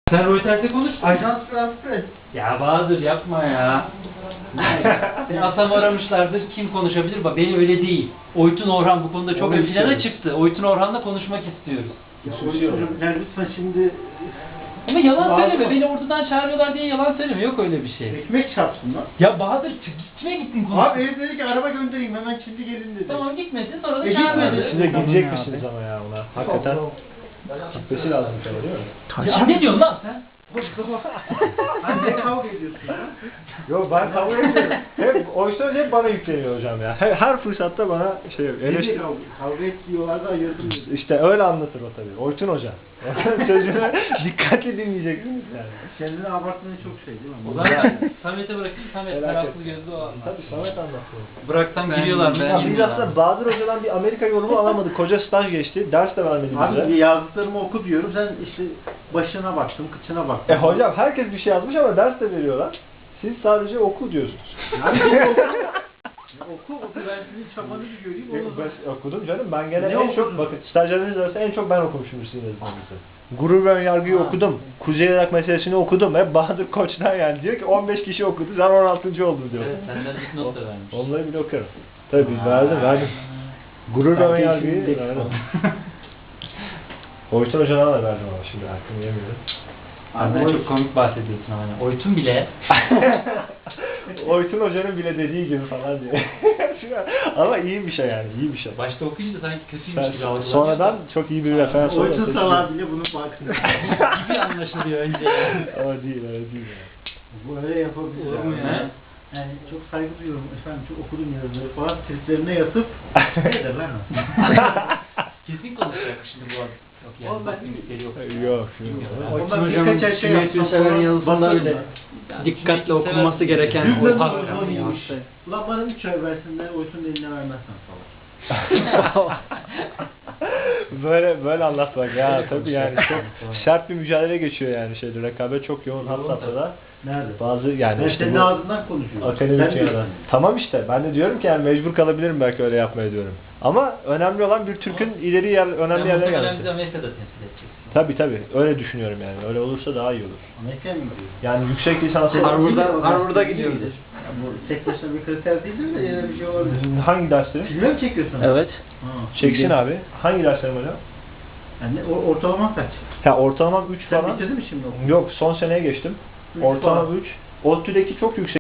Sen Reuters'e konuş. Ajans France Press. Ya Bahadır yapma ya. Seni Asam aramışlardır. Kim konuşabilir? Bak beni öyle değil. Oytun Orhan bu konuda çok ön plana çıktı. Oytun Orhan'la konuşmak istiyoruz. Yani lütfen şimdi Ama yalan Bahadır söyleme. mı? Beni ortadan çağırıyorlar diye yalan söyleme. Yok öyle bir şey. ekmek çarpsın lan. Ya Bahadır kime gittin konuş? Abi herif dedi ki araba göndereyim hemen şimdi gelin dedi. Tamam gitmedin sonra da E, çağırmadın. gitmedi. Siz de gidecek misiniz ama ya ona? Hakikaten gitmesi lazım tabii değil mi? Ya ne diyorsun lan sen? Sen ne kavga ediyorsun ya? Yok ben kavga ediyorum. Hep oysa hep bana yükleniyor hocam ya. Her fırsatta bana şey Dedi eleştiri. kavga et diyorlar da ayırdım dedi. İşte öyle anlatır o tabii. Oytun hoca. Onun sözünü dikkatli dinleyeceksiniz yani. Kendini abarttığın çok şey değil mi? O zaman Samet'e bırakayım. Samet Merak meraklı etme. gözlü o anlatsın. Tabii Samet anlatıyor. Bıraksam giriyorlar mı? Ya biz aslında Bahadır Hoca'dan bir Amerika yorumu alamadık. Koca staj geçti. Ders de vermedi bize. Abi yazdıklarımı oku diyorum sen işte başına baktım, kıçına baktım. Hocam herkes bir şey yazmış ama ders de veriyorlar. Siz sadece oku diyorsunuz. Abi gel oku. Oku ben sizin çabanızı göreyim onu da. Ben okudum canım. Ben gene Ne en çok okudun? bakın stajyerleriniz arasında en çok ben okumuşum sizin yazılarınızı. Gurur ve önyargıyı okudum. Kuzey Irak meselesini okudum. Hep Bahadır Koç'tan yani diyor ki 15 kişi okudu. Sen 16. oldun diyor. Evet, senden dipnot da vermiş. Onları bile okuyorum. Tabii verdim. Gurur ve önyargıyı verdim. Oytun Hoca'dan da verdim ama şimdi aklım yemiyorum. Abi çok komik bahsediyorsun ama. Oytun bile. Oytun Hoca'nın bile dediği gibi falan diye. Ama iyi bir şey yani, iyi bir şey. Başta okuyunca sanki kötüymüş gibi algılanıyor. Sonradan çok iyi bir referans olarak Oytun seçiyor. salağı bile bunun farkında. gibi anlaşılıyor önce yani. Öyle değil yani. Böyle yapabilir Olur mu yani. ya? Yani çok saygı duyuyorum efendim çok okudum yazıları falan triplerine yatıp nedir lan o? Kesin konuşacak şimdi bu adam. Yok yani. Oğlum ben Bak, yok. Yok. Ondan Hocam birkaç ay şey Cüneyt yapsam Ünsever'in falan yazısında basarım bile ben. dikkatle okunması gereken Büyük o bir hak. uzman iyiymiş. Ulan bana 3 ay versin de Oytun'un eline vermezsen falan. böyle anlat bak ya tabii yani çok sert bir mücadele geçiyor yani şeyde rekabet çok yoğun hat safhada. Nerede? Bazı yani Ben işte senin bu ağzından konuşuyorum. akademik Sen yerden. diyorsun. Tamam işte ben de diyorum ki yani mecbur kalabilirim belki öyle yapmaya diyorum. Ama önemli olan bir Türk'ün ileri önemli yerlere Bizi gelmesi. Amerika'da temsil edeceksin. Tabii öyle düşünüyorum yani. Öyle olursa daha iyi olur. Amerika'ya mı gidiyorsun? Yani yüksek lisans Harvard'a gidiyoruz. Ya bu tek başına bir kriter değildir de yine bir şey olabilir. hangi dersleri? Filme mi çekiyorsun? Evet. Ha. Çeksin abi. Hangi derslerim hocam? Yani ortalama kaç? Ya ortalama 3 Sen falan. bitirdin mi şimdi okulu? Yok son seneye geçtim. Üç Ortalama falan. 3. ODTÜ'deki çok yüksek.